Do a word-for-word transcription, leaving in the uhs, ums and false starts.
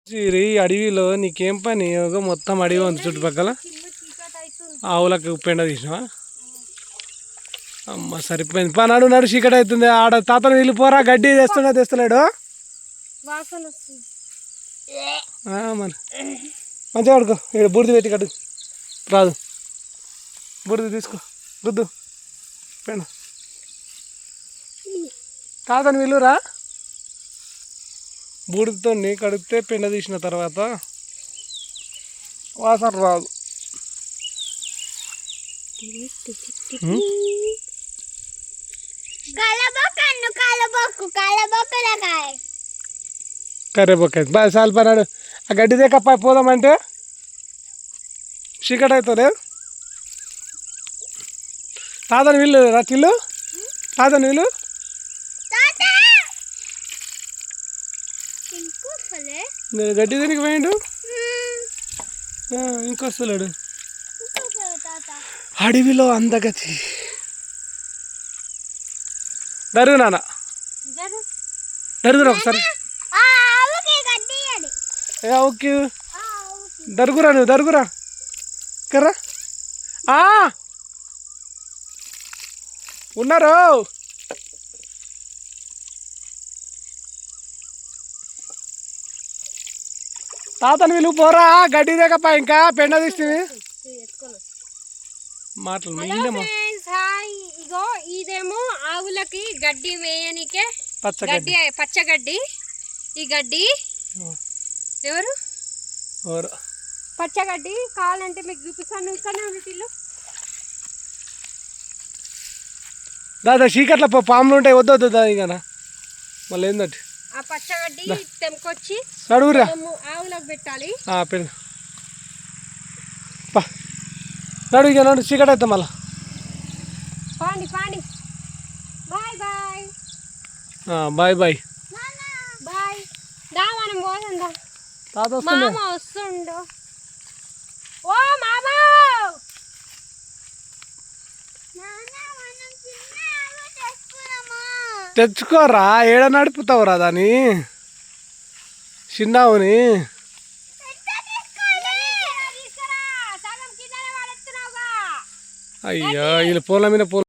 ఈ అడవిలో నీకేం పని మొత్తం అడవి ఉంది చుట్టుపక్కల. ఆవులకు పెండ తీసినావా? అమ్మ సరిపోయింది. పా నడు నడు చీకటి అవుతుంది. ఆడ తాతను వెళ్ళిపోరా, గడ్డి తెస్తున్నా తెస్తలేడు మరి. మంచిగా కడుకో, ఇక్కడ బూడిద పెట్టి కడు రాదు. బూడిద తీసుకో, రుద్దు పెండ. తాతను వెళ్ళురా, బూడిదతో కడిగితే పెండ తీసిన తర్వాత వాసన రాదు. కర్రేబొక్క బాగా సాల్ పన్నాడు. ఆ గడ్డి దేకప్ప పోదామంటే చీకటి అవుతుంది. తాతని వీళ్ళు రచ్చిల్లు, తాతని వీళ్ళు గడ్డి దేనికి పోయిండు. ఇంకొస్తలేడు. అడవిలో అందగతి. దరుగు నాన్న, దరుగురా ఒకసారి. ఓకే దరుగురా, నువ్వు దరుగురా కర్రా. ఉన్నారు. తాతను వీళ్ళు పోరా, గడ్డి దేకప్ప ఇంకా పెండ తీస్తుంది. మాటలు ఇగో ఇదేమో ఆవులకి గడ్డి వేయనికే గడ్డి, పచ్చగడ్డి. ఈ గడ్డి ఎవరు పచ్చగడ్డి కావాలంటే మీకు చూపిస్తాను. ఇక్కడనే వీటిలో దాదా చీకట్ల పాములు ఉంటాయి. వద్దు వద్దు దా ఇక మళ్ళీ ఏందంటే ఆ పచ్చగడ్డి తెంపుకొచ్చి నడువురా ఆవులకు పెట్టాలి. పెళ్ళి నడు ఇక నడు, చీకటి అవుతాం మళ్ళా. పాండి పాండి. Bye bye bye bye bye. దా మనం పోదా. తాత మామ వస్తుండు. ఓ మామ తెచ్చుకోరా, ఏడ నడుపుతావురా దాన్ని చిన్నావుని. అయ్యో వీళ్ళు పూల మీద పూల